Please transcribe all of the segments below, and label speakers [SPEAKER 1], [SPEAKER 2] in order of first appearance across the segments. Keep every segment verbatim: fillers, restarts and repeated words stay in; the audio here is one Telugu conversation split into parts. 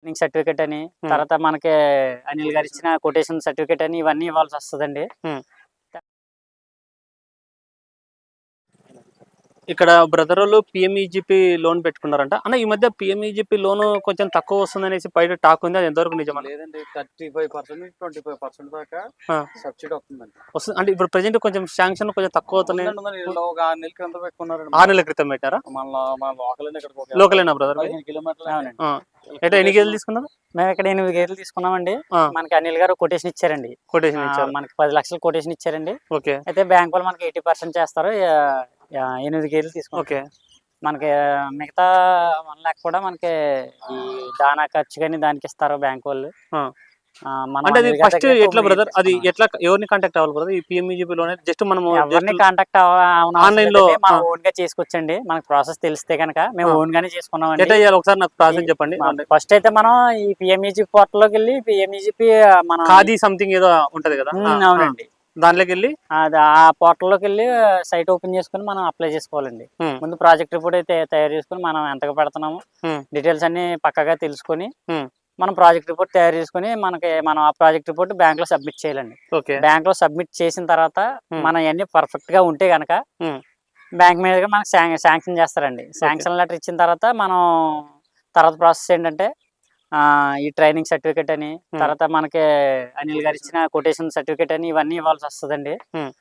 [SPEAKER 1] ట్రైనింగ్ సర్టిఫికేట్ అని, తర్వాత మనకి అనిల్ గారు ఇచ్చిన కొటేషన్ సర్టిఫికేట్ అని ఇవన్నీ ఇవ్వాల్సి వస్తుందండి.
[SPEAKER 2] ఇక్కడ బ్రదర్ వాళ్ళు పిఎంఈజిపి లోన్ పెట్టుకున్నారంట అన్న. ఈ మధ్య పిఎంఈజిపి లోన్ కొంచెం తక్కువ వస్తుంది అనేసి బయట టాక్ ఉంది, అది ఎంతవరకు నిజమా?
[SPEAKER 3] లేదండి, thirty five percent twenty five percent దాకా సబ్సిడీ వస్తుందండి.
[SPEAKER 2] వస్తుంది అంటే ఇప్పుడు ప్రెజెంట్ కొంచెం శాంక్షన్ కొంచెం తక్కువ అవుతున్నాయి.
[SPEAKER 3] ఒక ఆరు నెలల క్రితం పెట్టుకున్నారు.
[SPEAKER 2] ఆరు నెలల క్రితం పెట్టారా?
[SPEAKER 3] మళ్ళీ మన లోకల్
[SPEAKER 2] లోకలేనా బ్రదర్?
[SPEAKER 3] కిలోమీటర్లు.
[SPEAKER 2] ఎట్లా ఎన్ని గేదెలు తీసుకున్నారు?
[SPEAKER 1] మేము ఇక్కడ ఎనిమిది గేదెలు తీసుకున్నామండి. మనకి అనిల్ గారు కొటేషన్ ఇచ్చారండి.
[SPEAKER 2] కొటేషన్ ఇచ్చారు,
[SPEAKER 1] మనకి పది లక్షలు కొటేషన్ ఇచ్చారండి.
[SPEAKER 2] ఓకే.
[SPEAKER 1] అయితే బ్యాంక్ వాళ్ళు మనకి ఎయిటీ పర్సెంట్ చేస్తారు. ఎనిమిది గేదెలు తీసుకున్నాం.
[SPEAKER 2] ఓకే.
[SPEAKER 1] మనకి మిగతా వన్ లాక్ కూడా మనకి ఈ దానా ఖర్చు కానీ దానికి ఇస్తారు బ్యాంక్ వాళ్ళు.
[SPEAKER 2] అంటే అది ఫస్ట్ ఎట్లా బ్రదర్, అది ఎట్లా ఎవరిని కాంటాక్ట్ అవ్వాలి బ్రదర్? ఈ పిఎంఈజిపి లోన్ జస్ట్ మనం
[SPEAKER 1] ఎవరిని కాంటాక్ట్ ఆన్లైన్ లో మనం ఓన్ గా చేసుకోవచ్చండి. మనకి ప్రాసెస్ తెలిస్తే కనుక మేము ఓన్ గానే చేసుకున్నాం.
[SPEAKER 2] ఎట్లా చేయాలి ఒకసారి నాకు ప్రాసెస్ చెప్పండి.
[SPEAKER 1] ఫస్ట్ అయితే మనం ఈ పిఎంఈజిపి పోర్టల్ లోకి వెళ్ళి పిఎంఈజిపి మన
[SPEAKER 2] ఖాదీ సంథింగ్ ఏదో ఉంటది కదా?
[SPEAKER 1] అవునండి,
[SPEAKER 2] దాంట్లోకి వెళ్ళి
[SPEAKER 1] ఆ పోర్టల్ లోకి వెళ్ళి సైట్ ఓపెన్ చేసుకుని మనం అప్లై చేసుకోవాలండి. ముందు ప్రాజెక్ట్ రిపోర్ట్ అయితే తయారు చేసుకుని మనం ఎంతగా పెడుతున్నాము డీటెయిల్స్ అన్ని పక్కగా తెలుసుకొని మనం ప్రాజెక్ట్ రిపోర్ట్ తయారు చేసుకుని మనకి మనం ఆ ప్రాజెక్ట్ రిపోర్ట్ బ్యాంక్ లో సబ్మిట్ చేయాలండి. బ్యాంక్ లో సబ్మిట్ చేసిన తర్వాత మనం అన్ని పర్ఫెక్ట్ గా ఉంటే గనక బ్యాంక్ మీద మనకి శాంక్షన్ చేస్తారండి. శాంక్షన్ లెటర్ ఇచ్చిన తర్వాత మనం తర్వాత ప్రాసెస్ ఏంటంటే ఈ ట్రైనింగ్ సర్టిఫికేట్ అని, తర్వాత మనకి అనిల్ గారు ఇచ్చిన కొటేషన్ సర్టిఫికేట్ అని ఇవన్నీ ఇవ్వాల్సి వస్తుందండి.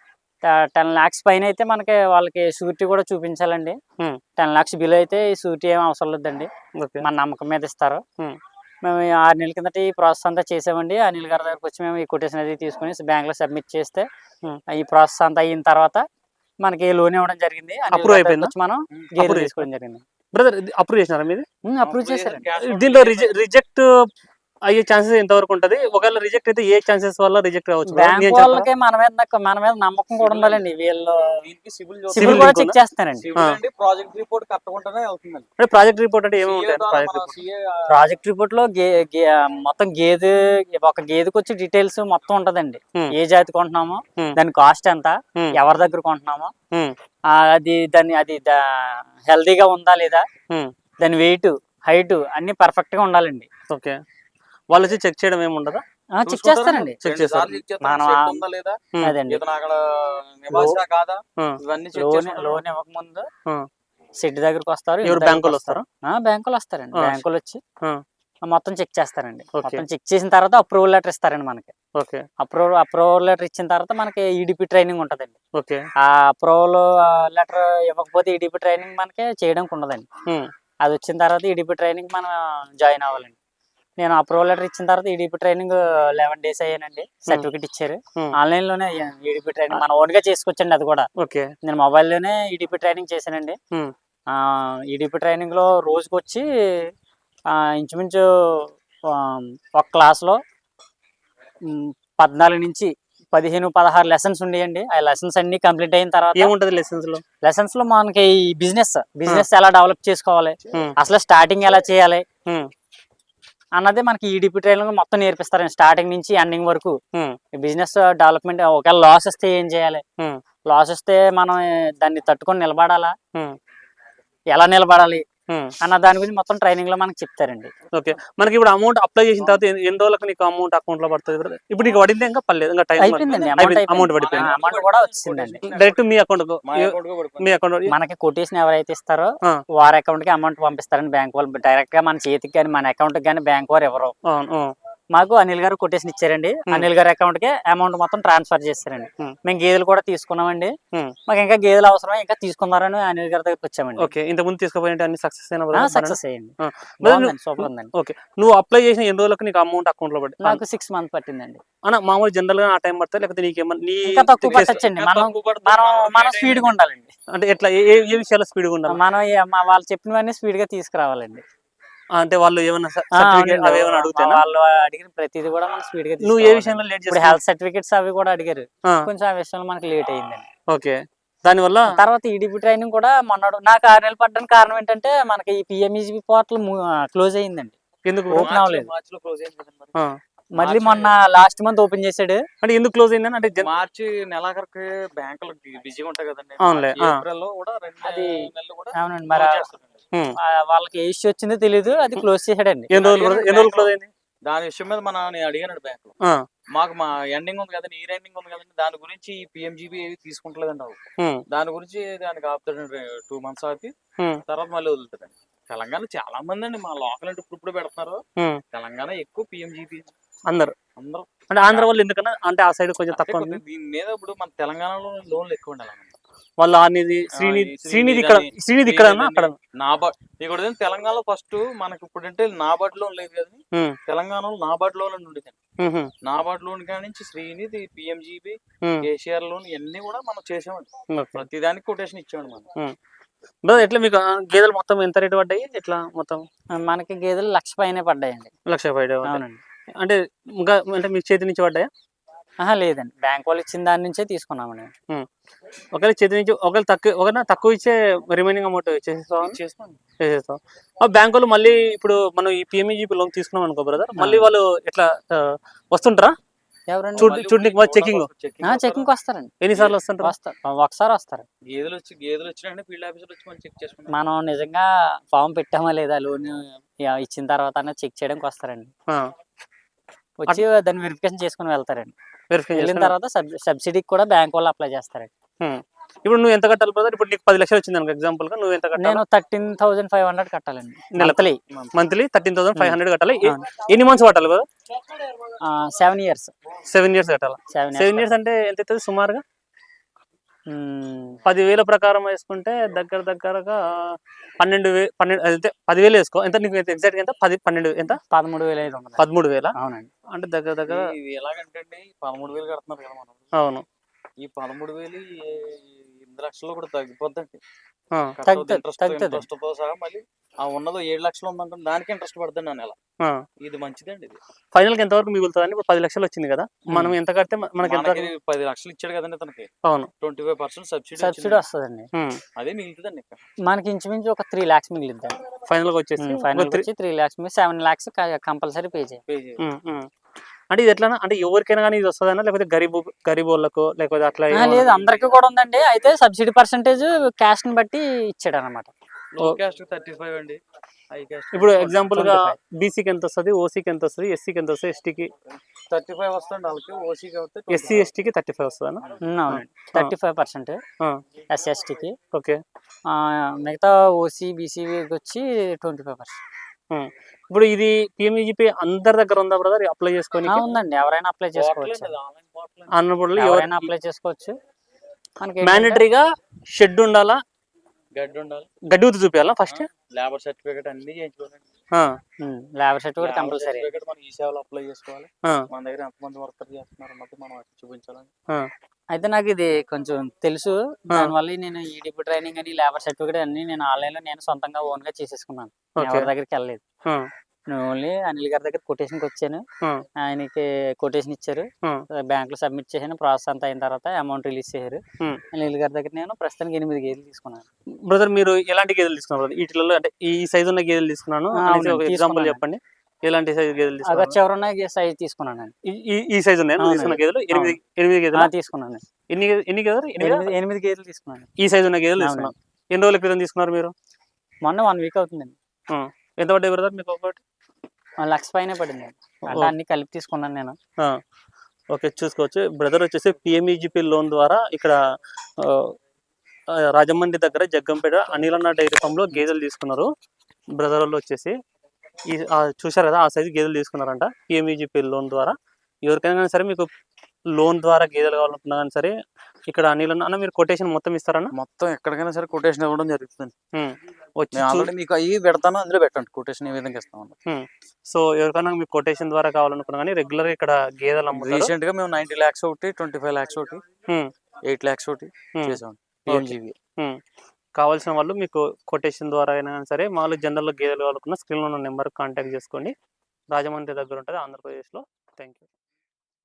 [SPEAKER 1] టెన్ లాక్స్ పైన అయితే మనకి వాళ్ళకి షూరిటీ కూడా చూపించాలండి. టెన్ లాక్స్ బిల్ అయితే ఈ షూరిటీ ఏం అవసరం లేదండి, మన నమ్మకం మీద ఇస్తారు. మేము ఆరు నెలల కిందట ఈ ప్రాసెస్ అంతా చేసామండి. అనిల్ గారి దగ్గరకు వచ్చి మేము ఈ కొటేషన్ అది తీసుకుని బ్యాంక్ లో సబ్మిట్ చేస్తే ఈ ప్రాసెస్ అంతా అయిన తర్వాత మనకి లోన్ ఇవ్వడం జరిగింది.
[SPEAKER 2] అప్రూవ్ అయిపోయింది,
[SPEAKER 1] మనం గేదెలు తీసుకోవడం జరిగింది.
[SPEAKER 2] బ్రదర్ అప్రూవ్ చేసినారా మీది?
[SPEAKER 1] అప్రూవ్ చేశారు.
[SPEAKER 2] దీంట్లో రిజెక్ట్ అయ్యే ఛాన్సెస్ ఎంతవరకు ఉంటది? ఒకవేళ రిజెక్ట్ అయితే ఏ ఛాన్సెస్ వల్ల రిజెక్ట్ అవ్వచ్చు?
[SPEAKER 1] బ్యాంక్ వాళ్ళకి మన మీద మన మీద నమ్మకం కూడా ఉండాలండి. వీళ్ళు సిబిల్ కూడా చెక్ చేస్తారండి.
[SPEAKER 3] ప్రాజెక్ట్ రిపోర్ట్ కట్టకుండానే అవుతుందండి.
[SPEAKER 2] అంటే ప్రాజెక్ట్ రిపోర్ట్ అంటే ఏముంటాయి?
[SPEAKER 1] ప్రాజెక్ట్ రిపోర్ట్ లో మొత్తం గేదె ఒక గేదెకి వచ్చి డీటెయిల్స్ మొత్తం ఉంటదండి. ఏ జాతి కొంటున్నామో, దాని కాస్ట్ ఎంత, ఎవరి దగ్గర కొంటున్నామో, అది దాన్ని అది హెల్దీగా ఉందా లేదా, దాని వెయిట్ హైట్ అన్ని పర్ఫెక్ట్ గా ఉండాలండి.
[SPEAKER 2] ఓకే. వాళ్ళు వచ్చి చెక్ చేయడం ఏమి ఉండదా?
[SPEAKER 1] చెక్ చేస్తారండి.
[SPEAKER 2] చెక్ చేస్తారు.
[SPEAKER 1] లోన్ ఇవ్వక ముందు సెట్ దగ్గరకు వస్తారు.
[SPEAKER 2] బ్యాంకులు వస్తారు,
[SPEAKER 1] బ్యాంకులు వస్తారండి. బ్యాంకులు వచ్చి మొత్తం చెక్ చేస్తారండి. మొత్తం చెక్ చేసిన తర్వాత అప్రూవల్ లెటర్ ఇస్తారండి మనకి. అప్రూవల్ అప్రూవల్ లెటర్ ఇచ్చిన తర్వాత మనకి ఈడిపి ట్రైనింగ్ ఉంటదండి. ఆ అప్రూవల్ లెటర్ ఇవ్వకపోతే ఈడిపి ట్రైనింగ్ మనకి చేయడానికి ఉండదండి. అది వచ్చిన తర్వాత ఈడిపి ట్రైనింగ్ మనం జాయిన్ అవ్వాలండి. నేను అప్రూవల్ లెటర్ ఇచ్చిన తర్వాత ఈడిపి ట్రైనింగ్ లెవెన్ డేస్ అయ్యానండి. సర్టిఫికేట్ ఇచ్చారు. ఆన్లైన్ లోనే అయ్యాను ఈడిపి ట్రైనింగ్. మన ఓన్ గా చేసుకోవచ్చండి అది కూడా. నేను మొబైల్ లోనే ఈడిపి ట్రైనింగ్ చేశానండి. ఈడిపి ట్రైనింగ్ లో రోజుకి వచ్చి ఇంచుమించు ఒక క్లాస్ లో పద్నాలుగు నుంచి పదిహేను పదహారు లెసన్స్ ఉండేయండి. ఆ లెసన్స్ అన్ని కంప్లీట్ అయిన తర్వాత
[SPEAKER 2] ఏముంటది లెసన్స్ లో?
[SPEAKER 1] లెసన్స్ లో మనకి ఈ బిజినెస్ బిజినెస్ ఎలా డెవలప్ చేసుకోవాలి, అసలు స్టార్టింగ్ ఎలా చేయాలి అన్నది మనకి ఈడిపి ట్రైనింగ్ మొత్తం నేర్పిస్తారండి. స్టార్టింగ్ నుంచి ఎండింగ్ వరకు బిజినెస్ డెవలప్మెంట్. ఒకవేళ లాస్ వస్తే ఏం చేయాలి, లాస్ వస్తే మనం దాన్ని తట్టుకొని నిలబడాలా, ఎలా నిలబడాలి అన్న దాని గురించి మొత్తం ట్రైనింగ్ లో మనకి చెప్తారండి.
[SPEAKER 2] ఓకే. మనకి ఇప్పుడు అమౌంట్ అప్లై చేసిన తర్వాత ఎన్ని రోజులకు నీకు అమౌంట్ అకౌంట్ లో పడుతుంది? ఇప్పుడు నీకు పడింది ఇంకా పర్లేదు, ఇంకా టైం
[SPEAKER 1] అయిపోయిందండి. అమౌంట్ పడిపోయింది. అమౌంట్ కూడా వచ్చిందండి
[SPEAKER 2] డైరెక్ట్ మీ అకౌంట్ మీ అకౌంట్
[SPEAKER 1] మనకి కొటేషన్ ఎవరైతే ఇస్తారో వారి అకౌంట్ కి అమౌంట్ పంపిస్తారండి బ్యాంక్ వాళ్ళు. డైరెక్ట్ గా మన చేతికి కానీ మన అకౌంట్ కి కానీ బ్యాంక్ వారు ఎవరు. మాకు అనిల్ గారు కొటేషన్ ఇచ్చారండి. అనిల్ గారి అకౌంట్ కి అమౌంట్ మొత్తం ట్రాన్స్ఫర్ చేస్తారండి. మేము గేదెలు కూడా తీసుకున్నామండి. మాకు ఇంకా గేదెలు అవసరమే, ఇంకా తీసుకున్నారని అనిల్ గారి దగ్గరికి వచ్చామండి.
[SPEAKER 2] ఓకే. ఇంత ముందు తీసుకుపోయిన అన్ని సక్సెస్
[SPEAKER 1] సక్సెస్ అయ్యండి. సూపర్ ఉందండి.
[SPEAKER 2] ఓకే. నువ్వు అప్లై చేసిన ఎన్ని రోజులకు నీకు అమౌంట్ అకౌంట్ లో పడింది?
[SPEAKER 1] నాకు సిక్స్ మంత్ పట్టిందండి.
[SPEAKER 2] అన్న మామూలు జనరల్ గా ఆ టైం పడతా, లేకపోతే
[SPEAKER 1] నీకేమన్నా తక్కువ పట్టచ్చండి. మనం మనం స్పీడ్ గా ఉండాలండి.
[SPEAKER 2] అంటే ఎట్లా ఏ విషయాల్లో స్పీడ్ గా ఉండాలి?
[SPEAKER 1] మనం వాళ్ళు చెప్పినవన్నీ స్పీడ్ గా తీసుకురావాలండి.
[SPEAKER 2] అంటే వాళ్ళు ఏమన్నా సర్టిఫికేట్ అవి ఏమైనా అడుగుతారా?
[SPEAKER 1] వాళ్ళు అడిగిన ప్రతిదీ కూడా మనం స్పీడ్ గా.
[SPEAKER 2] నువ్వు ఏ విషయంలో లేట్ చేస్తావు?
[SPEAKER 1] హెల్త్ సర్టిఫికేట్స్ అవి కూడా అడిగారు. కొంచెం ఆ విషయంలో మనకి లేట్ అయ్యిందండి.
[SPEAKER 2] ఓకే. దాని వల్ల
[SPEAKER 1] తర్వాత ఈడిపి ట్రైనింగ్ కూడా మొన్నడు నాకు ఆరు నెలలు పడ్డానికి కారణం ఏంటంటే మనకి ఈ పిఎంఈజిపి పోర్టల్ క్లోజ్ అయ్యిందండి.
[SPEAKER 2] ఎందుకు
[SPEAKER 1] ఓపెన్ అవ్వలేదు? మళ్ళీ మొన్న లాస్ట్ మంత్ ఓపెన్ చేశాడు.
[SPEAKER 2] అంటే ఎందుకు క్లోజ్ అయిందని? అంటే
[SPEAKER 3] మార్చి నెలాఖరికి బ్యాంకులు బిజీగా ఉంటాయి కదండి.
[SPEAKER 2] అవునులే.
[SPEAKER 1] అవునండి. మరి
[SPEAKER 2] హ్మ్.
[SPEAKER 1] ఆ, వాళ్ళకి ఏ ఇష్యూ వచ్చిందో తెలియదు, అది క్లోజ్ చేసాడండి.
[SPEAKER 2] ఎన్ని రోజులు brother? ఎన్ని రోజులు క్లోజ్ అయింది?
[SPEAKER 3] దాని విషయం మీద మన నేను అడిగాను బ్యాంక్ లో,
[SPEAKER 2] ఆ,
[SPEAKER 3] మాకు మా ఎండింగ్ ఉంది కదండి, ఈ ఎండింగ్ ఉంది కదండి, దాని గురించి పిఎంజీబీ ఏవి తీసుకుంటలేదండి అవి.
[SPEAKER 2] హ్మ్,
[SPEAKER 3] దాని గురించి దానికి ఆపుతాడండి, టూ మంత్స్ ఆపి
[SPEAKER 2] హ్మ్,
[SPEAKER 3] తర్వాత మళ్ళీ వదులుతాడండి. తెలంగాణ చాలా మంది అండి మా లోకల్ అంటే ఇప్పుడు ఇప్పుడు పెడుతున్నారు.
[SPEAKER 2] హ్మ్.
[SPEAKER 3] తెలంగాణ ఎక్కువ పిఎంజీబీ
[SPEAKER 2] అందరు
[SPEAKER 3] అందరూ.
[SPEAKER 2] అంటే ఆంధ్ర వాళ్ళు ఎందుకన్నా అంటే ఆ సైడ్ కొంచెం
[SPEAKER 3] అంటే
[SPEAKER 2] తక్కువ ఉంది.
[SPEAKER 3] కొద్దిగా దీని మీద ఇప్పుడు మన తెలంగాణలో లోన్లు ఎక్కువ ఉండాలి.
[SPEAKER 2] వాళ్ళు ఆనిది
[SPEAKER 3] ఆ,
[SPEAKER 2] శ్రీనిధి
[SPEAKER 3] ఈ
[SPEAKER 2] శ్రీనిధి
[SPEAKER 3] శ్రీనిధి
[SPEAKER 2] ఇక్కడ
[SPEAKER 3] అని,
[SPEAKER 2] శ్రీనిధి ఇక్కడ
[SPEAKER 3] శ్రీనిధి
[SPEAKER 2] అక్కడ.
[SPEAKER 3] అని, నాబార్డ్ ఇక్కడ ఏంటి తెలంగాణలో ఫస్ట్ మనకి ఇప్పుడు అంటే నాబార్డ్ లోన్ లేదు కానీ
[SPEAKER 2] హ్మ్,
[SPEAKER 3] తెలంగాణలో నాబార్డ్ లోన్ అని ఉండేది.
[SPEAKER 2] హ్మ్, హ్మ్,
[SPEAKER 3] నాబార్డ్ లోన్ కాడి నుంచి శ్రీనిధి, పిఎంజీబీ,
[SPEAKER 2] హ్మ్.
[SPEAKER 3] కేసీఆర్ లోన్ ఇవన్నీ కూడా మనం చేసామండి.
[SPEAKER 2] ఓకే.
[SPEAKER 3] ప్రతి దానికి కొటేషన్ ఇచ్చామండి మనం.
[SPEAKER 2] హ్మ్. బ్రదర్ ఎట్లా మీకు ఆ గేదెలు మొత్తం ఎంత రేటు పడ్డాయి? ఎట్లా మొత్తం
[SPEAKER 1] ఆ, మనకి గేదెలు లక్ష పైనే పడ్డాయండి.
[SPEAKER 2] లక్ష పైన పడ్డాయి.
[SPEAKER 1] అవునండి.
[SPEAKER 2] అంటే ఇంకా అంటే మీ చేతి నుంచి పడ్డాయా?
[SPEAKER 1] ఆహా, లేదండి, బ్యాంక్ వాళ్ళు ఇచ్చిన దాని నుంచే తీసుకున్నామండి.
[SPEAKER 2] హ్మ్. ఒకవేళ చేతి నుంచి ఒకవేళ తక్కువ ఒకవేళ తక్కువ ఇచ్చే రిమైనింగ్ అమౌంట్ ఇచ్చేస్తావా?
[SPEAKER 3] చేస్తాం.
[SPEAKER 2] చేసేస్తాం. ఆ బ్యాంక్ వాళ్ళు మళ్ళీ ఇప్పుడు మనం ఈ పిఎంఈజీపీ లోన్ తీసుకున్నాం అనుకో బ్రదర్, మళ్ళీ వాళ్ళు ఎట్లా ఆ, వస్తుంటారా
[SPEAKER 1] ఎవరండి?
[SPEAKER 2] చూడు
[SPEAKER 3] మళ్ళీ
[SPEAKER 2] చూడడానికి
[SPEAKER 3] ఇప్పుడు
[SPEAKER 2] చెకింగ్
[SPEAKER 3] చెకింగ్
[SPEAKER 1] ఆ,
[SPEAKER 3] వస్తారా?
[SPEAKER 1] చెకింగ్కి వస్తారండి.
[SPEAKER 2] ఎన్నిసార్లు వస్తుంటారా?
[SPEAKER 1] వస్తారు, ఒకసారి వస్తారు.
[SPEAKER 3] గేదెలు వచ్చి గేదెలు వచ్చినా ఫీల్డ్ ఆఫీసర్ వచ్చి మనం చెక్ చేసుకున్నాం.
[SPEAKER 1] మనం నిజంగా ఫామ్ పెట్టామా లేదా లోన్ ఇచ్చిన తర్వాత చెక్ చేయడానికి వస్తారండి. వచ్చి దాన్ని వెరిఫికేషన్ చేసుకుని వెళ్తారండి.
[SPEAKER 2] వెరిఫికేషన్
[SPEAKER 1] వెళ్ళిన
[SPEAKER 2] చేసుకుని
[SPEAKER 1] తర్వాత సబ్ సబ్సిడీకి కూడా బ్యాంక్ వాళ్ళు అప్లై చేస్తారండి.
[SPEAKER 2] హ్మ్. ఇప్పుడు నువ్వు ఎంత కట్టాలి బ్రదర్? ఇప్పుడు నీకు పది లక్షలు వచ్చింది అనుకో ఎగ్జాంపుల్ గా, నువ్వు ఎంత కట్టాలి?
[SPEAKER 1] నేను థర్టీన్ థౌజండ్ ఫైవ్ హండ్రెడ్ కట్టాలండి
[SPEAKER 2] నెలకు
[SPEAKER 1] monthly.
[SPEAKER 2] Monthly thirteen thousand five hundred కట్టాలి. ఎ-
[SPEAKER 1] అవును.
[SPEAKER 2] ఎన్ని మంత్స్ కట్టాలి brother?
[SPEAKER 1] Seven years
[SPEAKER 2] seven years కట్టాలి.
[SPEAKER 1] సెవెన్
[SPEAKER 2] సెవెన్ ఇయర్స్ అంటే ఎంత అవుతుంది సుమారుగా?
[SPEAKER 1] ఇయర్స్
[SPEAKER 2] పదివేల ప్రకారం వేసుకుంటే దగ్గర దగ్గరగా పన్నెండు వే పన్నెండు అయితే పదివేలు వేసుకో. ఎంత నీకు ఎగ్జాక్ట్ ఎంత? పది పన్నెండు ఎంత?
[SPEAKER 1] పదమూడు వేల ఐదు వందలు.
[SPEAKER 2] పదమూడు వేల
[SPEAKER 1] అవునండి.
[SPEAKER 2] అంటే దగ్గర దగ్గర.
[SPEAKER 3] ఈ- ఇది ఎలాగంటే అండి, పదమూడు వేలు కడుతున్నారు కదా మనం.
[SPEAKER 2] అవును.
[SPEAKER 3] ఈ పదమూడు వేలు ఈ ఎనిమిది లక్షల్లో కూడా తగ్గిపోద్దండి.
[SPEAKER 2] ఆ,
[SPEAKER 1] తగ్గుతుంది,
[SPEAKER 3] ఇంట్రెస్ట్
[SPEAKER 1] తగ్గుతుంది.
[SPEAKER 3] ఇంట్రెస్ట్ తో సహా మళ్ళీ ఆ ఉన్నదో ఏడు లక్షలు ఉందంటే దానికి ఇంట్రెస్ట్ పడుతుంది ఆ నెల.
[SPEAKER 2] ఆ.
[SPEAKER 3] ఇది మంచిదండి. ఇది
[SPEAKER 2] ఫైనల్ కి ఎంత వరకు మిగులుతుంది అని? ఇప్పుడు పది లక్షలు వచ్చింది కదా, మనం ఎంత కడితే మ- మనకి ఎంత?
[SPEAKER 3] మనకి పది లక్షలు ఇచ్చాడు కదండి తనకి,
[SPEAKER 2] అవును.
[SPEAKER 3] Twenty five percent subsidy
[SPEAKER 1] subsidy వస్తుందండి.
[SPEAKER 2] హ్మ్.
[SPEAKER 3] అదే మిగులుతుందండి. ఇక్కడ
[SPEAKER 1] మనకి ఇంచుమించు ఒక త్రీ ల్యాక్స్ మిగిలిద్దాం.
[SPEAKER 2] ఫైనల్ గా వచ్చేసి
[SPEAKER 1] ఫైనల్
[SPEAKER 2] ఒక three-
[SPEAKER 1] వచ్చి త్రీ ల్యాక్స్ మీద సెవెన్ ల్యాక్స్ కంపల్సరీ పే చేయాలి.
[SPEAKER 3] పే చేయాలి.
[SPEAKER 2] హ్మ్, హ్మ్. అంటే ఇది ఎట్లా అంటే ఎవరికైనా కానీ ఇది వస్తుందన్నా, లేకపోతే గరీబ్ గరీబ్ వాళ్ళకు లేకపోతే అట్లా
[SPEAKER 1] ఆ,
[SPEAKER 2] ఏమన్నా?
[SPEAKER 1] లేదు, అందరికీ కూడా ఉందండి. అయితే సబ్సిడీ పర్సెంటేజ్ క్యాస్ట్ ని బట్టి ఇచ్చాడు అనమాట.
[SPEAKER 3] లో క్యాస్ట్ థర్టీ ఫైవ్ అండి, హై క్యాస్ట్
[SPEAKER 2] ఇప్పుడు ఎగ్జాంపుల్ గా
[SPEAKER 1] ట్వంటీ ఫైవ్.
[SPEAKER 2] బీసీకి ఎంత వస్తుంది, ఓసీకి ఎంత వస్తుంది, ఎస్సీకి ఎంత వస్తుంది, ఎస్టీకి
[SPEAKER 3] థర్టీ ఫైవ్ వస్తుంది వాళ్ళకి. ఓసీ కాబట్టి
[SPEAKER 2] ఎస్సీ ఎస్టీకి థర్టీ ఫైవ్ వస్తుంది అన్న?
[SPEAKER 1] ఉమ్, అవునండి, థర్టీ ఫైవ్ పర్సెంట్ ఎస్సీ ఎస్టీకి.
[SPEAKER 2] ఓకే.
[SPEAKER 1] మిగతా ఓసీ బీసీకి వచ్చి ట్వంటీ ఫైవ్ పర్సెంట్
[SPEAKER 2] ఇప్పుడు ఇది పిఎంఈజీపీ అందరి దగ్గర ఉందా బ్రదర్ అప్లై చేసుకొని?
[SPEAKER 1] ఉందండి, ఎవరైనా అప్లై చేసుకోవచ్చు.
[SPEAKER 3] ఆన్లైన్ పోర్టల్
[SPEAKER 2] అన్నప్పుడు
[SPEAKER 1] ఎవరైనా అప్లై చేసుకోవచ్చు. మనకి
[SPEAKER 2] మ్యాండటరీగా షెడ్ ఉండాలా,
[SPEAKER 3] గడ్డి ఉండాలి,
[SPEAKER 2] గడ్డి ఉత్తి చూపించాలా ఫస్ట్?
[SPEAKER 3] లేబర్ సర్టిఫికేట్ అన్ని చేయించుకోవాలండి.
[SPEAKER 1] Labour certificate compulsory.
[SPEAKER 3] సర్టిఫికేట్ మనం ఈ సేవలో అప్లై చేసుకోవాలి. మన దగ్గర ఎంతమంది వర్కర్ చేస్తున్నారు అన్నది మనం చూపించాలండి.
[SPEAKER 1] అయితే నాకు ఇది కొంచెం తెలుసు, దానివల్ల నేను ఈడిపి ట్రైనింగ్ అని లేబర్ సర్టిఫికేట్ అన్ని నేను ఆన్లైన్ లో నేను సొంతంగా ఓన్ గా చేసేసుకున్నాను. ఎవరి దగ్గరికి వెళ్ళలేదు. నేను ఓన్లీ అనిల్ గారి దగ్గర కొటేషన్కి వచ్చాను. ఆయనకి కొటేషన్ ఇచ్చారు, బ్యాంక్ లో సబ్మిట్ చేశాను. ప్రాసెస్ అంతా అయిన తర్వాత అమౌంట్ రిలీజ్ చేశారు. అనిల్ గారి దగ్గర నేను ప్రస్తుతానికి ఎనిమిది గేదెలు తీసుకున్నాను.
[SPEAKER 2] బ్రదర్ మీరు ఎలాంటి గేదెలు తీసుకున్నారు? వీటిలో అంటే ఈ సైజు ఉన్న గేదెలు తీసుకున్నాను అనేసి ఒక ఎగ్జాంపుల్ చెప్పండి. ఎలాంటి సైజు గేదెలు తీసుకున్నారు?
[SPEAKER 1] చివరున్న సైజ్ తీసుకున్నాను.
[SPEAKER 2] ఈ సైజు ఉన్నాయి తీసుకున్న గేదెలు? ఎనిమిది ఎనిమిది గేదెలు
[SPEAKER 1] తీసుకున్నాను.
[SPEAKER 2] ఎన్ని ఎన్ని గేదెలు?
[SPEAKER 1] ఎనిమిది ఎనిమిది గేదెలు తీసుకున్నాను.
[SPEAKER 2] ఈ సైజు ఉన్న గేదెలు తీసుకున్నాను. ఎన్ని రోజుల క్రితం తీసుకున్నారు మీరు?
[SPEAKER 1] మొన్న వన్ వీక్ అవుతుందండి.
[SPEAKER 2] ఎంత పడ్డాయి బ్రదర్ మీకు ఒకటి?
[SPEAKER 1] లక్ష పైన పడింది. అంటే అన్ని కలిపి తీసుకున్నాను నేను.
[SPEAKER 2] ఓకే, చూసుకోవచ్చు. బ్రదర్ వచ్చేసి పిఎంఈజీపీ లోన్ ద్వారా ఇక్కడ రాజమండ్రి దగ్గర జగ్గంపేట అనిలన్న డైరీ ఫామ్ లో గేదెలు తీసుకున్నారు. బ్రదర్ వాళ్ళు వచ్చేసి ఈ చూశారు కదా, ఆ సైజు గేదెలు తీసుకున్నారంట పిఎంఈజీపీ లోన్ ద్వారా. ఎవరికైనా కానీ సరే మీకు లోన్ ద్వారా గేదెలు కావాలనుకున్నా కానీ సరే ఇక్కడ అనిలన్న అన్న మీరు కొటేషన్ మొత్తం ఇస్తారన్న?
[SPEAKER 3] మొత్తం ఎక్కడికైనా సరే కొటేషన్ ఇవ్వడం జరుగుతుంది.
[SPEAKER 2] వచ్చి
[SPEAKER 3] ఆల్రెడీ మీకు అవి పెడతాను, అందులో పెట్టండి కొటేషన్ ఏ విధంగా ఇస్తాం.
[SPEAKER 2] సో ఎవరికైనా మీకు కొటేషన్ ద్వారా కావాలనుకున్నా కానీ రెగ్యులర్ ఇక్కడ గేదెలు అమ్ముతారు.
[SPEAKER 3] రీసెంట్ గా మేము నైన్టీ లాక్స్ ఒకటి, ట్వంటీ ఫైవ్ లాక్స్ ఒకటి, ఎయిట్ లాక్స్ ఒకటి చేసాం.
[SPEAKER 2] కావాల్సిన వాళ్ళు మీకు కొటేషన్ ద్వారా అయినా సరే మామూలు జనరల్ గేదెలు కావాలనుకున్న స్క్రీన్లో ఉన్న నెంబర్ కాంటాక్ట్ చేసుకోండి. రాజమండ్రి దగ్గర ఉంటుంది ఆంధ్రప్రదేశ్లో. Thank you.